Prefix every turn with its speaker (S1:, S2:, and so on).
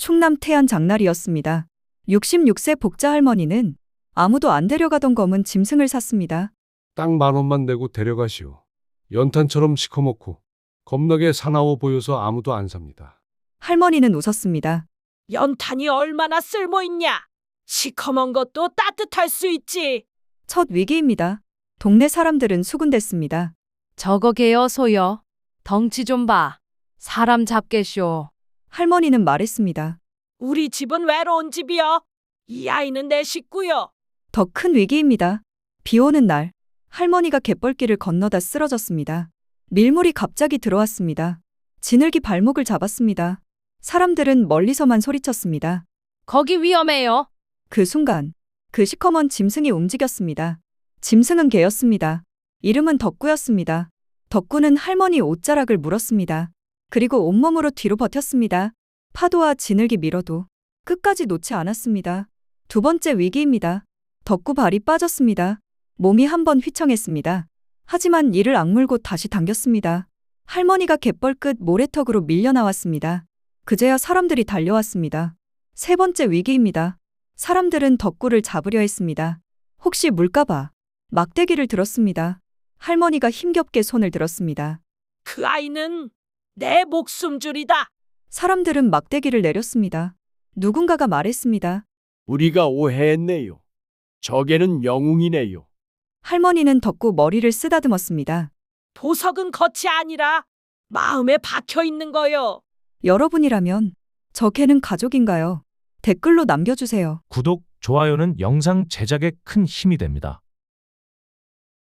S1: 충남 태안 장날이었습니다. 66세 복자 할머니는 아무도 안 데려가던 검은 짐승을 샀습니다.
S2: 딱 10,000원만 내고 데려가시오. 연탄처럼 시커멓고 겁나게 사나워 보여서 아무도 안 삽니다.
S1: 할머니는 웃었습니다.
S3: 연탄이 얼마나 쓸모있냐? 시커먼 것도 따뜻할 수 있지.
S1: 첫 위기입니다. 동네 사람들은 수군댔습니다.
S4: 저거 개여 소여. 덩치 좀 봐. 사람 잡겠쇼.
S1: 할머니는 말했습니다.
S3: 우리 집은 외로운 집이여. 이 아이는 내 식구여.
S1: 더 큰 위기입니다. 비 오는 날, 할머니가 갯벌길을 건너다 쓰러졌습니다. 밀물이 갑자기 들어왔습니다. 지늘기 발목을 잡았습니다. 사람들은 멀리서만 소리쳤습니다.
S4: 거기 위험해요.
S1: 그 순간, 그 시커먼 짐승이 움직였습니다. 짐승은 개였습니다. 이름은 덕구였습니다. 덕구는 할머니 옷자락을 물었습니다. 그리고 온몸으로 뒤로 버텼습니다. 파도와 지늘기 밀어도 끝까지 놓지 않았습니다. 두 번째 위기입니다. 덕구 발이 빠졌습니다. 몸이 한번 휘청했습니다. 하지만 이를 악물고 다시 당겼습니다. 할머니가 갯벌 끝 모래턱으로 밀려 나왔습니다. 그제야 사람들이 달려왔습니다. 세 번째 위기입니다. 사람들은 덕구를 잡으려 했습니다. 혹시 물까봐 막대기를 들었습니다. 할머니가 힘겹게 손을 들었습니다.
S3: 그 아이는 내 목숨줄이다.
S1: 사람들은 막대기를 내렸습니다. 누군가가 말했습니다.
S5: 우리가 오해했네요. 저게는 영웅이네요.
S1: 할머니는 덕구 머리를 쓰다듬었습니다.
S3: 보석은 겉이 아니라 마음에 박혀 있는 거요.
S1: 여러분이라면 저 개는 가족인가요? 댓글로 남겨주세요.
S6: 구독, 좋아요는 영상 제작에 큰 힘이 됩니다.